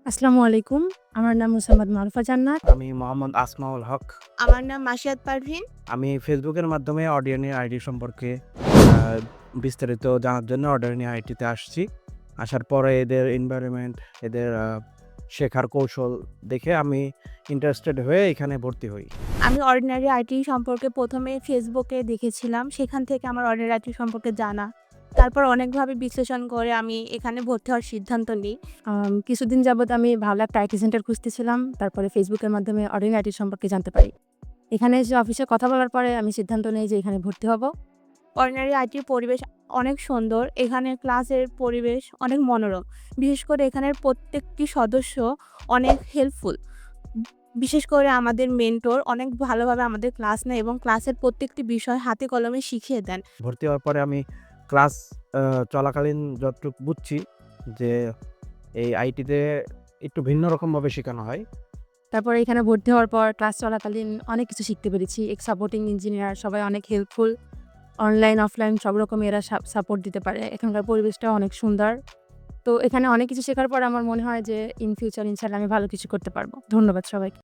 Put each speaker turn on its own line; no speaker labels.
আসসালামু আলাইকুম। আমার নাম মুসাম্মদ মারুফা জান্নাত।
আমি মোহাম্মদ আসমাউল হক।
আমার নাম মাসিয়াত পারভীন।
আমি ফেসবুকের মাধ্যমে অডিয়নি আইডি সম্পর্কে আ বিস্তারিত জানার জন্য অডিয়নি আইডিতে আসছি। আসার পরে এদের এনভায়রনমেন্ট, এদের শেখার কৌশল দেখে আমি ইন্টারেস্টেড হয়ে এখানে ভর্তি হই।
আমি অর্ডিনারি আইটি সম্পর্কে ১ম এ ফেসবুকে দেখেছিলাম। সেখান থেকে আমার অর্ডিনারি আইটি সম্পর্কে জানা। তারপর অনেকভাবে বিশ্লেষণ করে আমি এখানে ভর্তি হওয়ার সিদ্ধান্ত নিই।
কিছুদিন যাবৎ আমি ভালো একটা আইটি সেন্টার খুঁজতেছিলাম। তারপরে ফেসবুকের মাধ্যমে অর্ডিনারি আইটি সম্পর্কে জানতে পারি। এখানে এসে অফিসে কথা বলার পরে আমি সিদ্ধান্ত নেই যে এখানে ভর্তি হব।
অর্ডিনারি আইটির পরিবেশ অনেক সুন্দর। এখানে ক্লাসের পরিবেশ অনেক মনোরম। বিশেষ করে এখানের প্রত্যেকটি সদস্য অনেক হেল্পফুল। বিশেষ করে আমাদের মেন্টর অনেক ভালোভাবে আমাদের ক্লাস নেয় এবং ক্লাসের প্রত্যেকটি বিষয় হাতে কলমে শিখিয়ে দেন।
ভর্তি হওয়ার পরে আমি ক্লাস চলাকালীন যতটুকু বুঝছি যে এই আইটিতে একটু ভিন্ন রকমভাবে শেখানো হয়।
তারপরে এখানে ভর্তি হওয়ার পর ক্লাস চলাকালীন অনেক কিছু শিখতে পেরেছি। সাপোর্টিং ইঞ্জিনিয়ার সবাই অনেক হেল্পফুল। অনলাইন, অফলাইন সব রকম এরা সাপোর্ট দিতে পারে। এখানকার পরিবেশটাও অনেক সুন্দর। তো এখানে অনেক কিছু শেখার পর আমার মনে হয় যে ইন ফিউচার ইনশাআল্লাহ আমি ভালো কিছু করতে পারব। ধন্যবাদ সবাইকে।